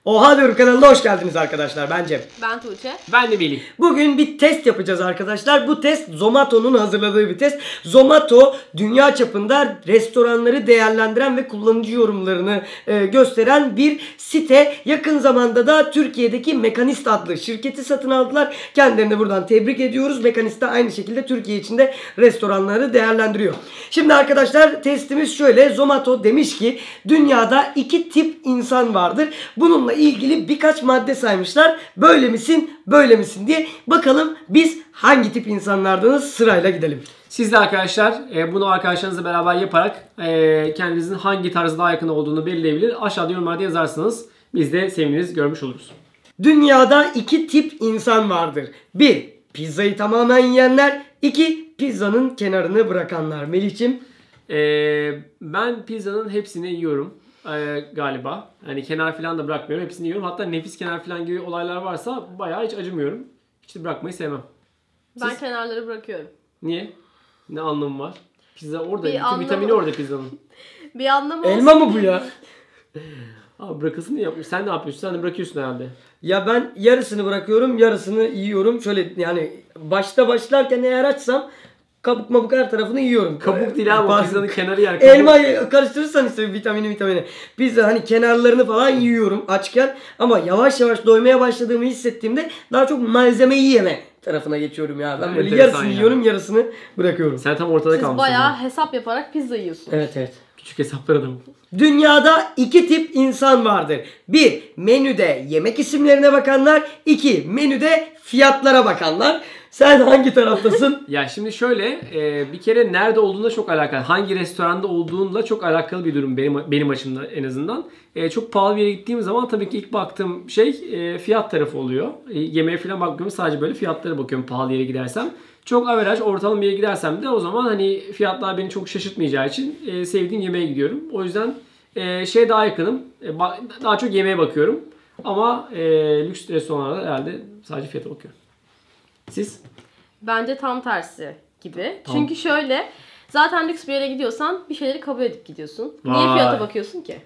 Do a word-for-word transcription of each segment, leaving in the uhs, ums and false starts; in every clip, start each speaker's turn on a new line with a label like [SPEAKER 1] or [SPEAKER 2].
[SPEAKER 1] Oha Diyorum kanalına hoş geldiniz arkadaşlar. Ben Cem.
[SPEAKER 2] Ben Tuğçe.
[SPEAKER 3] Ben de Melih.
[SPEAKER 1] Bugün bir test yapacağız arkadaşlar. Bu test Zomato'nun hazırladığı bir test. Zomato dünya çapında restoranları değerlendiren ve kullanıcı yorumlarını e, gösteren bir site. Yakın zamanda da Türkiye'deki Mekanist adlı şirketi satın aldılar. Kendilerini buradan tebrik ediyoruz. Mekanist de aynı şekilde Türkiye içinde restoranları değerlendiriyor. Şimdi arkadaşlar testimiz şöyle. Zomato demiş ki dünyada iki tip insan vardır. Bununla ilgili birkaç madde saymışlar. Böyle misin, böyle misin diye. Bakalım biz hangi tip insanlardanız, sırayla gidelim.
[SPEAKER 3] Siz de arkadaşlar bunu arkadaşlarınızla beraber yaparak kendinizin hangi tarza daha yakın olduğunu belirleyebilir. Aşağıda yorumlarda yazarsanız biz de seviniriz, görmüş oluruz.
[SPEAKER 1] Dünyada iki tip insan vardır. Bir, pizzayı tamamen yiyenler. İki, pizzanın kenarını bırakanlar. Melih'ciğim?
[SPEAKER 3] Ee, ben pizzanın hepsini yiyorum. Ee, galiba. Hani kenar falan da bırakmıyorum. Hepsini yiyorum. Hatta nefis kenar falan gibi olaylar varsa bayağı hiç acımıyorum. Hiç de bırakmayı sevmem.
[SPEAKER 2] Ben
[SPEAKER 3] Siz?
[SPEAKER 2] kenarları bırakıyorum.
[SPEAKER 3] Niye? Ne anlamı var? Pizza orada.
[SPEAKER 2] Bir
[SPEAKER 3] Bütün
[SPEAKER 2] anlamı-
[SPEAKER 3] vitamini orada pizzanın.
[SPEAKER 2] Bir anlamı
[SPEAKER 1] Elma
[SPEAKER 2] olsun
[SPEAKER 1] mı bu
[SPEAKER 2] diye.
[SPEAKER 1] ya?
[SPEAKER 3] Abi bırakasın yapmış. Sen ne yapıyorsun? Sen de bırakıyorsun herhalde.
[SPEAKER 1] Ya ben yarısını bırakıyorum, yarısını yiyorum. Şöyle yani başta başlarken eğer açsam kabuk mabuk her tarafını yiyorum.
[SPEAKER 3] Kabuk değil abi. O
[SPEAKER 1] Bazı-
[SPEAKER 3] pizzanın kenarı yer. Kabuk.
[SPEAKER 1] Elma karıştırırsan işte vitamini vitamini. Pizza hani kenarlarını falan yiyorum açken ama yavaş yavaş doymaya başladığımı hissettiğimde daha çok malzemeyi yeme tarafına geçiyorum ya. Ben böyle
[SPEAKER 3] Enteresan
[SPEAKER 1] yarısını
[SPEAKER 3] ya.
[SPEAKER 1] yiyorum, yarısını bırakıyorum.
[SPEAKER 3] Sen tam ortada
[SPEAKER 2] Siz
[SPEAKER 3] kalmışsın.
[SPEAKER 2] bayağı
[SPEAKER 3] ya.
[SPEAKER 2] hesap yaparak pizza yiyorsunuz.
[SPEAKER 1] Evet evet.
[SPEAKER 3] Küçük hesaplar adamı.
[SPEAKER 1] Dünyada iki tip insan vardır. Bir, menüde yemek isimlerine bakanlar. İki, menüde fiyatlara bakanlar. Sen hangi taraftasın?
[SPEAKER 3] Ya şimdi şöyle e, bir kere nerede olduğunda çok alakalı. Hangi restoranda olduğunla çok alakalı bir durum benim benim açımdan en azından. E, çok pahalı bir yere gittiğim zaman tabii ki ilk baktığım şey e, fiyat tarafı oluyor. E, yemeğe falan bakmıyorum, sadece böyle fiyatlara bakıyorum pahalı yere gidersem. Çok average ortalama bir yere gidersem de o zaman hani fiyatlar beni çok şaşırtmayacağı için e, sevdiğim yemeğe gidiyorum. O yüzden e, şey daha yakınım. E, ba- daha çok yemeğe bakıyorum. Ama e, lüks restoranlarda herhalde sadece fiyata bakıyorum. Siz?
[SPEAKER 2] Bence tam tersi gibi.
[SPEAKER 3] Tamam.
[SPEAKER 2] Çünkü şöyle, zaten lüks bir yere gidiyorsan bir şeyleri kabul edip gidiyorsun. Niye
[SPEAKER 3] Vay.
[SPEAKER 2] fiyata bakıyorsun ki?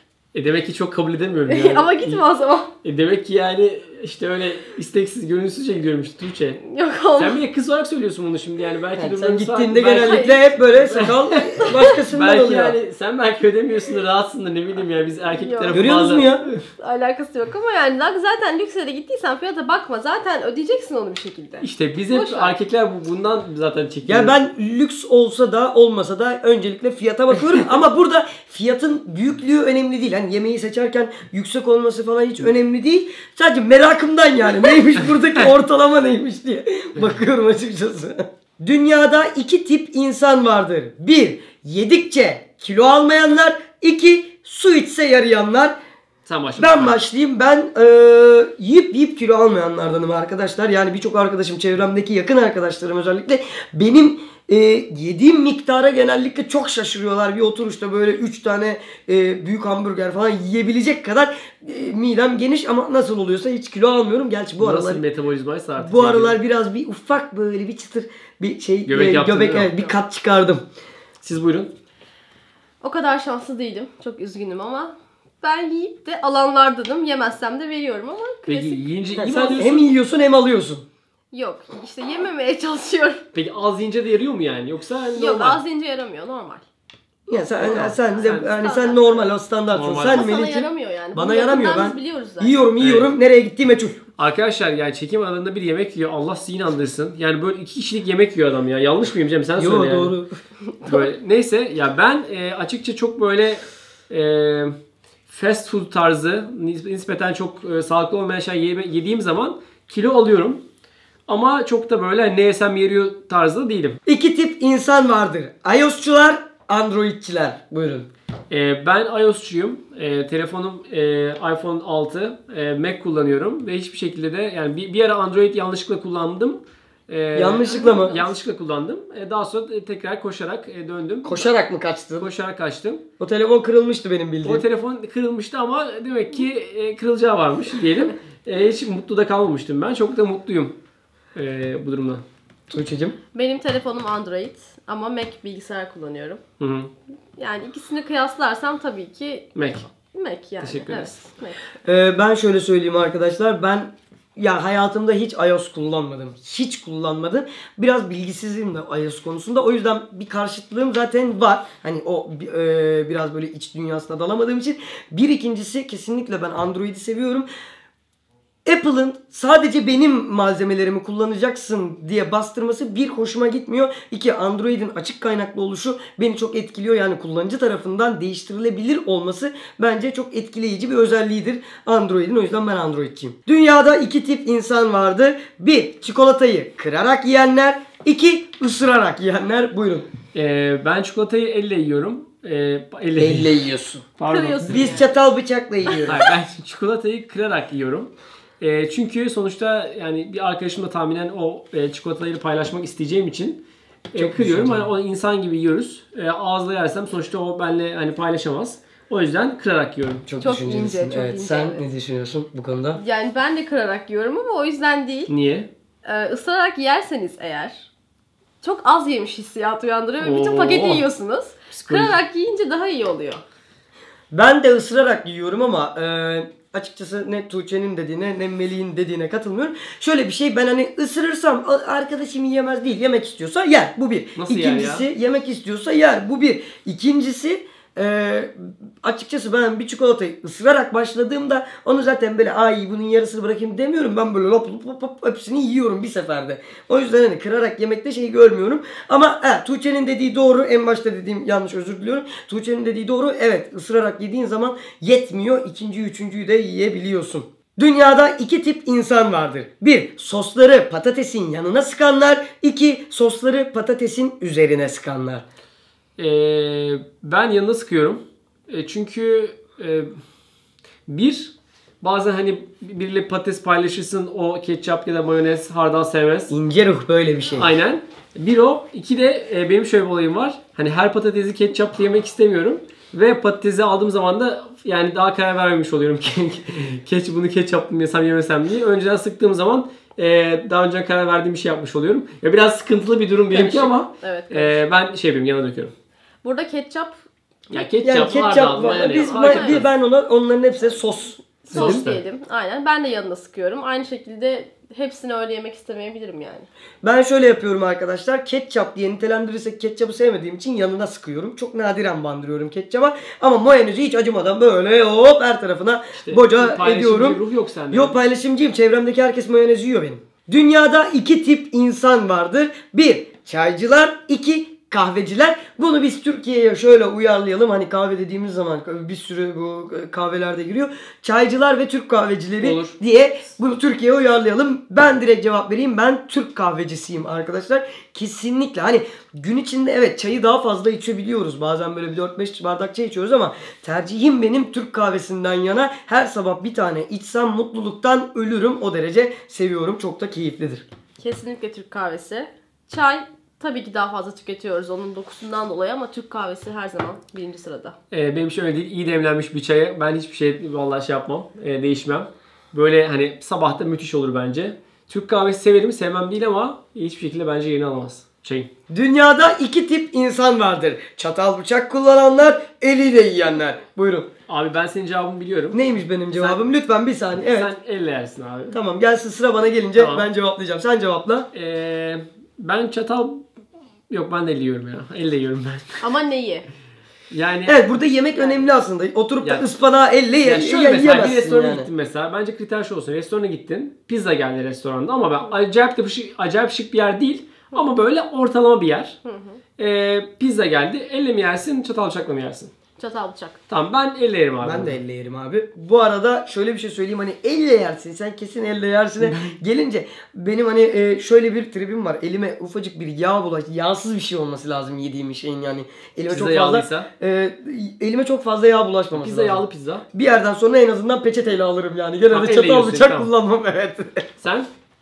[SPEAKER 3] E demek ki çok kabul edemiyorum yani.
[SPEAKER 2] Ama gitme o zaman.
[SPEAKER 3] E demek ki yani işte öyle isteksiz, gönülsüzce gidiyorum işte Tuğçe.
[SPEAKER 2] Yok olmaz.
[SPEAKER 3] Sen bir de kız olarak söylüyorsun bunu şimdi yani belki
[SPEAKER 1] Yani sen
[SPEAKER 3] durumlarınız var.
[SPEAKER 1] gittiğinde
[SPEAKER 3] Belki-
[SPEAKER 1] genellikle hep böyle sakal başkasından
[SPEAKER 3] belki
[SPEAKER 1] oluyor.
[SPEAKER 3] yani sen belki ödemiyorsundur, rahatsındır, ne bileyim ya biz erkek
[SPEAKER 2] Yok.
[SPEAKER 3] tarafı
[SPEAKER 1] Görüyorsunuz
[SPEAKER 3] bazen-
[SPEAKER 1] mu ya?
[SPEAKER 2] Alakası yok ama yani zaten lüks yere gittiysen fiyata bakma. Zaten ödeyeceksin onu bir şekilde.
[SPEAKER 3] İşte biz hep
[SPEAKER 2] Boş ver.
[SPEAKER 3] erkekler bu- bundan zaten çekiyoruz.
[SPEAKER 1] Ya ben lüks olsa da olmasa da öncelikle fiyata bakıyorum ama burada fiyatın büyüklüğü önemli değil. Hani yemeği seçerken yüksek olması falan hiç önemli değil. Sadece merakımdan yani neymiş buradaki ortalama neymiş diye bakıyorum açıkçası. Dünyada iki tip insan vardır. Bir, yedikçe kilo almayanlar. İki, su içse yarayanlar.
[SPEAKER 3] Sen başla.
[SPEAKER 1] Ben başlayayım. Ben e, yiyip yiyip kilo almayanlardanım arkadaşlar. Yani birçok arkadaşım, çevremdeki yakın arkadaşlarım özellikle benim e, yediğim miktara genellikle çok şaşırıyorlar. Bir oturuşta böyle üç tane e, büyük hamburger falan yiyebilecek kadar e, midem geniş ama nasıl oluyorsa hiç kilo almıyorum. Gerçi bu
[SPEAKER 3] Nasıl
[SPEAKER 1] aralar
[SPEAKER 3] metabolizmaysa artık.
[SPEAKER 1] bu
[SPEAKER 3] yani.
[SPEAKER 1] aralar biraz bir ufak böyle bir çıtır bir şey
[SPEAKER 3] Göbek
[SPEAKER 1] e,
[SPEAKER 3] yaptın
[SPEAKER 1] göbek
[SPEAKER 3] değil mi?
[SPEAKER 1] evet, bir kat çıkardım.
[SPEAKER 3] Siz buyurun.
[SPEAKER 2] O kadar şanslı değilim. Çok üzgünüm ama ben yiyip de alanlardanım. Yemezsem de veriyorum ama
[SPEAKER 3] Peki
[SPEAKER 2] klasik.
[SPEAKER 3] yiyince iyi
[SPEAKER 1] Yani
[SPEAKER 3] mi
[SPEAKER 1] sen
[SPEAKER 3] alıyorsun?
[SPEAKER 1] hem yiyorsun hem alıyorsun.
[SPEAKER 2] Yok. İşte yememeye çalışıyorum.
[SPEAKER 3] Peki az yiyince de yarıyor mu yani? Yoksa hani
[SPEAKER 2] Yok,
[SPEAKER 3] normal?
[SPEAKER 2] az yiyince yaramıyor. Normal.
[SPEAKER 1] Ya sen
[SPEAKER 3] Normal.
[SPEAKER 1] sen de
[SPEAKER 3] Sen-
[SPEAKER 1] hani sen
[SPEAKER 2] standart.
[SPEAKER 1] normal o standartsın.
[SPEAKER 3] Normal.
[SPEAKER 1] Sen
[SPEAKER 2] Ama sana
[SPEAKER 1] Melih'ciğim
[SPEAKER 2] yaramıyor yani.
[SPEAKER 1] bana
[SPEAKER 2] Bunu
[SPEAKER 1] yaramıyor.
[SPEAKER 2] yakından
[SPEAKER 1] Ben
[SPEAKER 2] biz biliyoruz zaten.
[SPEAKER 1] yiyorum yiyorum nereye gittiği meçhul.
[SPEAKER 3] Arkadaşlar yani çekim alanında bir yemek yiyor. Allah sizi inandırsın. Yani böyle iki kişilik yemek yiyor adam ya. Yanlış mıyım Cem? Sen
[SPEAKER 1] Yo
[SPEAKER 3] söyle yani.
[SPEAKER 1] doğru.
[SPEAKER 3] Böyle, neyse ya ben e, açıkça çok böyle e, fast food tarzı nis- nispeten çok e, sağlıklı olmayan şey yeme- yediğim zaman kilo alıyorum. Ama çok da böyle ne yesem yeriyor tarzı değilim.
[SPEAKER 1] İki tip insan vardır. iOS'çular, Android'çiler. Buyurun.
[SPEAKER 3] E, ben iOS'çuyum. E, telefonum e, iPhone altı. E, Mac kullanıyorum ve hiçbir şekilde de yani bir, bir ara Android yanlışlıkla kullandım. E,
[SPEAKER 1] Yanlışlıkla mı?
[SPEAKER 3] Yanlışlıkla kullandım. E, daha sonra e, tekrar koşarak e, döndüm.
[SPEAKER 1] Koşarak mı kaçtın?
[SPEAKER 3] Koşarak kaçtım.
[SPEAKER 1] O telefon kırılmıştı benim
[SPEAKER 3] O
[SPEAKER 1] bildiğim.
[SPEAKER 3] telefon kırılmıştı ama demek ki e, kırılacağı varmış diyelim. E, hiç mutlu da kalmamıştım ben. Çok da mutluyum e, bu durumdan.
[SPEAKER 1] Tuğçe'cim.
[SPEAKER 2] Benim telefonum Android ama Mac bilgisayar kullanıyorum.
[SPEAKER 3] Hı hı.
[SPEAKER 2] Yani ikisini kıyaslarsam tabii ki
[SPEAKER 3] Mac.
[SPEAKER 2] Mac yani.
[SPEAKER 3] Teşekkür ederiz.
[SPEAKER 2] Evet,
[SPEAKER 1] Ee, ben şöyle söyleyeyim arkadaşlar. Ben ya hayatımda hiç iOS kullanmadım. Hiç kullanmadım. Biraz bilgisizim de iOS konusunda. O yüzden bir karşıtlığım zaten var. Hani o e, biraz böyle iç dünyasına dalamadığım için. Bir ikincisi kesinlikle ben Android'i seviyorum. Apple'ın sadece benim malzemelerimi kullanacaksın diye bastırması bir hoşuma gitmiyor. İki, Android'in açık kaynaklı oluşu beni çok etkiliyor. Yani kullanıcı tarafından değiştirilebilir olması bence çok etkileyici bir özelliğidir Android'in. O yüzden ben Android'ciyim. Dünyada iki tip insan vardır. Bir, çikolatayı kırarak yiyenler. İki, ısırarak yiyenler. Buyurun.
[SPEAKER 3] Ee, ben çikolatayı elle yiyorum. Ee, elle,
[SPEAKER 1] Elle yiyorsun.
[SPEAKER 3] Pardon.
[SPEAKER 2] Kırıyorsun.
[SPEAKER 1] Biz çatal bıçakla yiyoruz.
[SPEAKER 3] Hayır, ben çikolatayı kırarak yiyorum. E, çünkü sonuçta yani bir arkadaşımla tahminen o e, çikolatayı paylaşmak isteyeceğim için e, kırıyorum. Hani o insan gibi yiyoruz. E, ağızla yersem sonuçta o benimle hani paylaşamaz. O yüzden kırarak yiyorum.
[SPEAKER 1] Çok,
[SPEAKER 2] Çok
[SPEAKER 1] düşüncelisin.
[SPEAKER 2] ince, çok
[SPEAKER 1] evet.
[SPEAKER 2] ince,
[SPEAKER 1] Sen
[SPEAKER 2] evet.
[SPEAKER 1] ne düşünüyorsun bu konuda?
[SPEAKER 2] Yani ben de kırarak yiyorum ama o yüzden değil.
[SPEAKER 3] Niye?
[SPEAKER 2] Ee, ısırarak yerseniz eğer çok az yemiş hissiyat uyandırıyor ve bütün
[SPEAKER 3] Oo.
[SPEAKER 2] paketi yiyorsunuz.
[SPEAKER 3] Psikoloji.
[SPEAKER 2] Kırarak yiyince daha iyi oluyor.
[SPEAKER 1] Ben de ısırarak yiyorum ama e, açıkçası ne Tuğçe'nin dediğine ne Melih'in dediğine katılmıyorum. Şöyle bir şey, ben hani ısırırsam arkadaşım yiyemez değil. Yemek istiyorsa yer. Bu bir.
[SPEAKER 3] Nasıl yer
[SPEAKER 1] İkincisi
[SPEAKER 3] ya?
[SPEAKER 1] yemek istiyorsa yer. Bu bir. İkincisi e, açıkçası ben bir çikolatayı ısırarak başladığımda onu zaten böyle ay bunun yarısını bırakayım demiyorum. Ben böyle lop lop lop, lop hepsini yiyorum bir seferde. O yüzden hani kırarak yemekte şeyi görmüyorum. Ama he, Tuğçe'nin dediği doğru. En başta dediğim yanlış, özür diliyorum. Tuğçe'nin dediği doğru. Evet, ısırarak yediğin zaman yetmiyor. İkinciyi, üçüncüyü de yiyebiliyorsun. Dünyada iki tip insan vardır. Bir, sosları patatesin yanına sıkanlar. İki, sosları patatesin üzerine sıkanlar.
[SPEAKER 3] Ee, ben yanına sıkıyorum. E, çünkü e, bir, bazen hani biriyle patates paylaşırsın, o ketçap ya da mayonez hardal sevmez.
[SPEAKER 1] İnce ruh böyle bir şey.
[SPEAKER 3] Aynen. Bir o. İki de e, benim şöyle bir olayım var. Hani her patatesi ketçapla yemek istemiyorum. Ve patatesi aldığım zaman da yani daha karar vermemiş oluyorum. Keç, bunu ketçaplı mı yesem yemesem diye. Önceden sıktığım zaman e, daha önce karar verdiğim bir şey yapmış oluyorum. Ya biraz sıkıntılı bir durum benimki
[SPEAKER 2] Karışık.
[SPEAKER 3] ama
[SPEAKER 2] Evet,
[SPEAKER 3] e, ben şey yapayım, yana döküyorum.
[SPEAKER 2] Burada ketçap
[SPEAKER 3] Ya ketçap,
[SPEAKER 1] Yani ketçap
[SPEAKER 3] hardal,
[SPEAKER 1] var.
[SPEAKER 3] mayonez,
[SPEAKER 1] Biz,
[SPEAKER 3] fark
[SPEAKER 1] ma-
[SPEAKER 3] etmez.
[SPEAKER 1] bir ben ona onların hepsine sos.
[SPEAKER 2] sos
[SPEAKER 3] Dedim.
[SPEAKER 2] diyelim. Aynen. Ben de yanına sıkıyorum. Aynı şekilde hepsini öyle yemek istemeyebilirim yani.
[SPEAKER 1] Ben şöyle yapıyorum arkadaşlar. Ketçap diye nitelendirirsek ketçapı sevmediğim için yanına sıkıyorum. Çok nadiren bandırıyorum ketçapa. Ama mayonezi hiç acımadan böyle hop her tarafına
[SPEAKER 3] İşte
[SPEAKER 1] boca
[SPEAKER 3] paylaşımcı
[SPEAKER 1] ediyorum.
[SPEAKER 3] ruh yok sende.
[SPEAKER 1] Yok, paylaşımcıyım. Çevremdeki herkes mayonez yiyor benim. Dünyada iki tip insan vardır. Bir, çaycılar. İki, kahveciler. Bunu biz Türkiye'ye şöyle uyarlayalım. Hani kahve dediğimiz zaman bir sürü bu kahvelerde giriyor. Çaycılar ve Türk kahvecileri
[SPEAKER 3] Olur.
[SPEAKER 1] diye bunu Türkiye'ye uyarlayalım. Ben direkt cevap vereyim. Ben Türk kahvecisiyim arkadaşlar. Kesinlikle. Hani gün içinde evet çayı daha fazla içebiliyoruz. Bazen böyle bir dört beş bardak çay içiyoruz ama tercihim benim Türk kahvesinden yana. Her sabah bir tane içsem mutluluktan ölürüm. O derece seviyorum. Çok da keyiflidir.
[SPEAKER 2] Kesinlikle Türk kahvesi. Çay tabii ki daha fazla tüketiyoruz onun dokusundan dolayı ama Türk kahvesi her zaman birinci sırada.
[SPEAKER 3] Ee, benim şöyle değil, iyi demlenmiş bir çaya ben hiçbir şey vallahi şey yapmam, e, değişmem. Böyle hani sabahta müthiş olur bence. Türk kahvesi severim, sevmem değil ama hiçbir şekilde bence yerini alamaz çayın.
[SPEAKER 1] Dünyada iki tip insan vardır. Çatal bıçak kullananlar, eliyle yiyenler. Buyurun.
[SPEAKER 3] Abi ben senin cevabını biliyorum.
[SPEAKER 1] Neymiş benim cevabım? Lütfen bir saniye. Evet.
[SPEAKER 3] Sen elle yersin abi.
[SPEAKER 1] Tamam, gelsin sıra bana gelince
[SPEAKER 3] Tamam.
[SPEAKER 1] ben cevaplayacağım. Sen cevapla.
[SPEAKER 3] Ee, ben çatal... Yok ben de elle yiyorum ya. Elle yiyorum ben.
[SPEAKER 2] Ama neyi?
[SPEAKER 3] Yani...
[SPEAKER 1] Evet, burada yemek önemli aslında. Oturup da
[SPEAKER 3] Ya-
[SPEAKER 1] ıspanağı elle ye,
[SPEAKER 3] Ya şöyle
[SPEAKER 1] ye-
[SPEAKER 3] mesela bir
[SPEAKER 1] yiyemezsin
[SPEAKER 3] restorana
[SPEAKER 1] yani.
[SPEAKER 3] gittin mesela. Bence kriter şu olsun. Restorana gittin. Pizza geldi restoranda ama ben acayip de şık, acayip şık bir yer değil. Ama böyle ortalama bir yer. Ee, pizza geldi. Elle mi yersin, çatal bıçakla mı yersin?
[SPEAKER 2] Çatal bıçak.
[SPEAKER 3] Tamam ben elle yerim abi.
[SPEAKER 1] Ben de elle yerim abi. Bu arada şöyle bir şey söyleyeyim, hani elle yersin, sen kesin elle yersin. Gelince benim hani e, şöyle bir tribim var. Elime ufacık bir yağ bulaş, yağsız bir şey olması lazım yediğim şeyin yani. Elime
[SPEAKER 3] Pizza
[SPEAKER 1] çok fazla
[SPEAKER 3] yağlıysa?
[SPEAKER 1] e, elime çok fazla yağ bulaşmaması
[SPEAKER 3] Pizza
[SPEAKER 1] lazım.
[SPEAKER 3] yağlı pizza.
[SPEAKER 1] Bir yerden sonra en azından peçeteyle alırım yani. Genelde
[SPEAKER 3] Tamam, elle
[SPEAKER 1] çatal
[SPEAKER 3] yiyorsun,
[SPEAKER 1] bıçak
[SPEAKER 3] tamam.
[SPEAKER 1] kullanmam, evet.
[SPEAKER 3] Sen?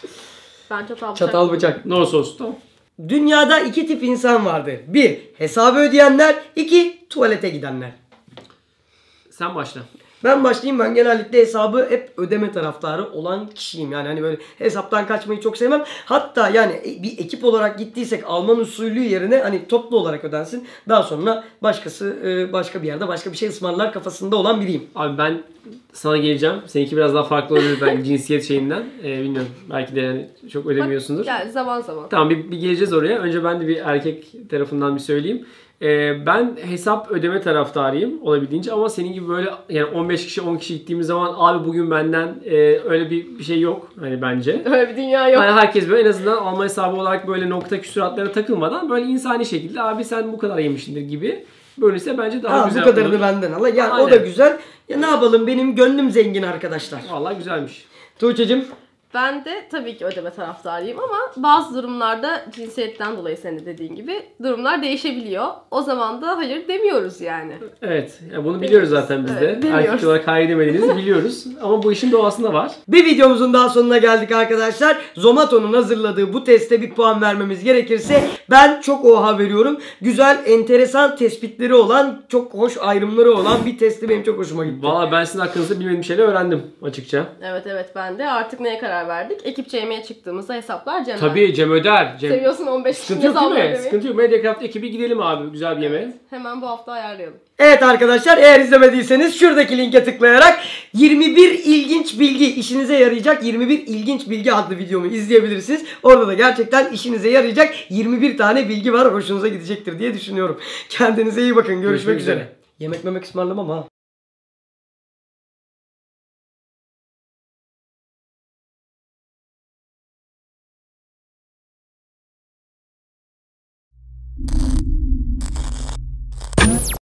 [SPEAKER 2] Ben çatal bıçak.
[SPEAKER 1] Çatal bıçak.
[SPEAKER 3] No sos. Tamam.
[SPEAKER 1] Dünyada iki tip insan vardır. Bir, hesabı ödeyenler. İki, tuvalete gidenler.
[SPEAKER 3] Sen başla.
[SPEAKER 1] Ben başlayayım. Ben genellikle hesabı hep ödeme taraftarı olan kişiyim. Yani hani böyle hesaptan kaçmayı çok sevmem. Hatta yani bir ekip olarak gittiysek Alman usulü yerine hani toplu olarak ödensin. Daha sonra başkası başka bir yerde başka bir şey ısmarlar kafasında olan biriyim.
[SPEAKER 3] Abi ben sana geleceğim. Seninki biraz daha farklı olabilir belki cinsiyet şeyinden. Ee, bilmiyorum. Belki de yani çok ödemiyorsundur.
[SPEAKER 2] Yani zaman zaman.
[SPEAKER 3] Tamam bir, bir geleceğiz oraya. Önce ben de bir erkek tarafından bir söyleyeyim. Ee, ben hesap ödeme taraftarıyım olabildiğince ama senin gibi böyle yani on beş kişi on kişi gittiğimiz zaman abi bugün benden e, öyle bir, bir şey yok hani bence.
[SPEAKER 2] Öyle bir dünya yok.
[SPEAKER 3] Yani herkes böyle en azından alma hesabı olarak böyle nokta küsuratlara takılmadan böyle insani şekilde abi sen bu kadar yemişsindir gibi bölünse bence daha
[SPEAKER 1] Ha,
[SPEAKER 3] güzel
[SPEAKER 1] bu kadarını
[SPEAKER 3] olur.
[SPEAKER 1] benden al. Yani
[SPEAKER 3] Aynen.
[SPEAKER 1] o da güzel. Ya ne yapalım, benim gönlüm zengin arkadaşlar.
[SPEAKER 3] Vallahi güzelmiş.
[SPEAKER 1] Tuğçe'cim.
[SPEAKER 2] Ben de tabii ki ödeme taraftarıyım ama bazı durumlarda cinsiyetten dolayı senin de dediğin gibi durumlar değişebiliyor. O zaman da hayır demiyoruz yani.
[SPEAKER 3] Evet. Yani bunu biliyoruz zaten biz
[SPEAKER 2] Evet,
[SPEAKER 3] de.
[SPEAKER 2] biliyoruz.
[SPEAKER 3] Erkek olarak hayır demediğinizi biliyoruz. Ama bu işin doğasında var.
[SPEAKER 1] Bir videomuzun daha sonuna geldik arkadaşlar. Zomato'nun hazırladığı bu teste bir puan vermemiz gerekirse ben çok oha veriyorum. Güzel, enteresan tespitleri olan, çok hoş ayrımları olan bir testi benim çok hoşuma gitti.
[SPEAKER 3] Valla ben sizin hakkınızda bilmediğim şeyler öğrendim açıkça.
[SPEAKER 2] Evet evet ben de artık neye karar verdik? Ekipçe yemeğe çıktığımızda hesaplar Cem'den.
[SPEAKER 3] Tabii Cem öder. Cem...
[SPEAKER 2] Seviyorsun on beş
[SPEAKER 3] Sıkıntı
[SPEAKER 2] kişiye
[SPEAKER 3] yok değil mi?
[SPEAKER 2] sallayalım.
[SPEAKER 3] Sıkıntı yok. Mediacraft ekibi gidelim abi güzel bir yemeğe.
[SPEAKER 2] Hemen bu hafta ayarlayalım.
[SPEAKER 1] Evet arkadaşlar, eğer izlemediyseniz şuradaki linke tıklayarak yirmi bir ilginç bilgi, işinize yarayacak yirmi bir ilginç bilgi adlı videomu izleyebilirsiniz. Orada da gerçekten işinize yarayacak yirmi bir tane bilgi var. Hoşunuza gidecektir diye düşünüyorum. Kendinize iyi bakın. Görüşmek,
[SPEAKER 3] Görüşmek
[SPEAKER 1] üzere.
[SPEAKER 3] üzere.
[SPEAKER 1] Yemek memek ısmarlamam ha.